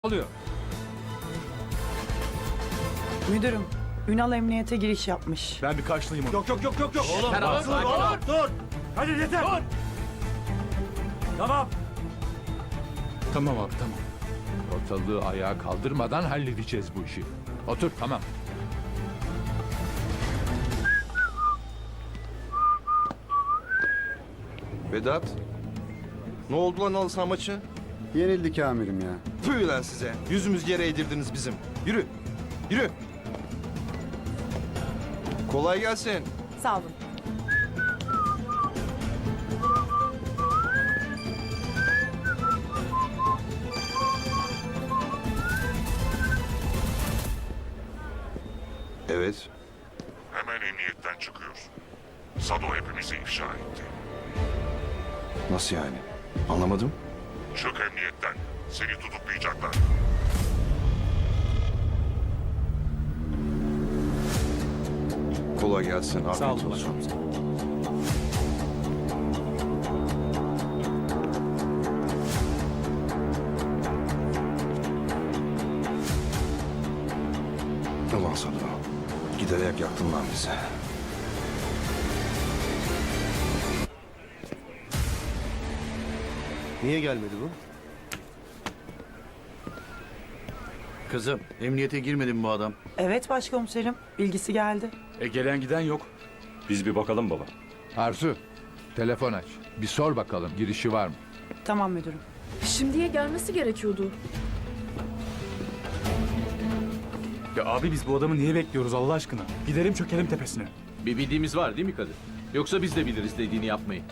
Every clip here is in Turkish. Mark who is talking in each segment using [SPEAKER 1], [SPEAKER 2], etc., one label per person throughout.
[SPEAKER 1] Oluyor.
[SPEAKER 2] Müdürüm, Ünal emniyete giriş yapmış.
[SPEAKER 1] Ben bir karşılayayım onu.
[SPEAKER 3] Yok.
[SPEAKER 1] Oğlum,
[SPEAKER 3] Dur. Hadi yeter. Dur. Tamam.
[SPEAKER 1] Tamam abi tamam.
[SPEAKER 4] Ortalığı ayağa kaldırmadan halledeceğiz bu işi. Otur tamam.
[SPEAKER 5] Vedat. Ne oldu lan halı saha maçı?
[SPEAKER 6] Yenildik amirim ya.
[SPEAKER 5] Tüh lan size. Yüzümüz yere eğdirdiniz bizim. Yürü. Yürü. Kolay gelsin.
[SPEAKER 2] Sağ olun.
[SPEAKER 5] Evet.
[SPEAKER 7] Hemen emniyetten çıkıyoruz. Sado hepimizi ifşa etti.
[SPEAKER 5] Nasıl yani? Anlamadım.
[SPEAKER 7] Çık emniyetten. Seni tutuklayacaklar.
[SPEAKER 5] Kolay gelsin. Afiyet
[SPEAKER 1] Sağ olun
[SPEAKER 5] olsun. Ulan Sado. Giderek yaktın lan bizi.
[SPEAKER 3] Niye gelmedi bu?
[SPEAKER 8] Kızım, emniyete girmedi mi bu adam?
[SPEAKER 2] Evet başkomiserim, bilgisi geldi.
[SPEAKER 1] Gelen giden yok.
[SPEAKER 3] Biz bir bakalım baba.
[SPEAKER 4] Arzu, telefon aç. Bir sor bakalım girişi var mı?
[SPEAKER 2] Tamam müdürüm.
[SPEAKER 9] Şimdiye gelmesi gerekiyordu.
[SPEAKER 1] Ya abi biz bu adamı niye bekliyoruz Allah aşkına? Gidelim çökelim tepesine.
[SPEAKER 8] Bir bildiğimiz var değil mi Kadir? Yoksa biz de biliriz dediğini yapmayı.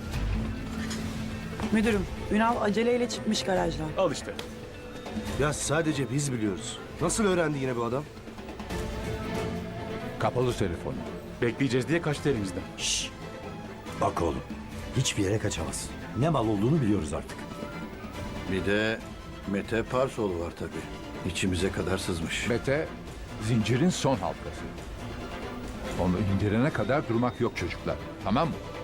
[SPEAKER 2] Müdürüm, Ünal aceleyle çıkmış garajdan.
[SPEAKER 1] Al işte.
[SPEAKER 3] Ya sadece biz biliyoruz. Nasıl öğrendi yine bu adam?
[SPEAKER 4] Kapalı telefonu.
[SPEAKER 1] Bekleyeceğiz diye kaçtı elimizden.
[SPEAKER 10] Bak oğlum, hiçbir yere kaçamaz. Ne mal olduğunu biliyoruz artık.
[SPEAKER 8] Bir de Mete Parsoğlu var tabii. İçimize kadar sızmış.
[SPEAKER 4] Mete, zincirin son halkası. Onu indirene kadar durmak yok çocuklar. Tamam mı?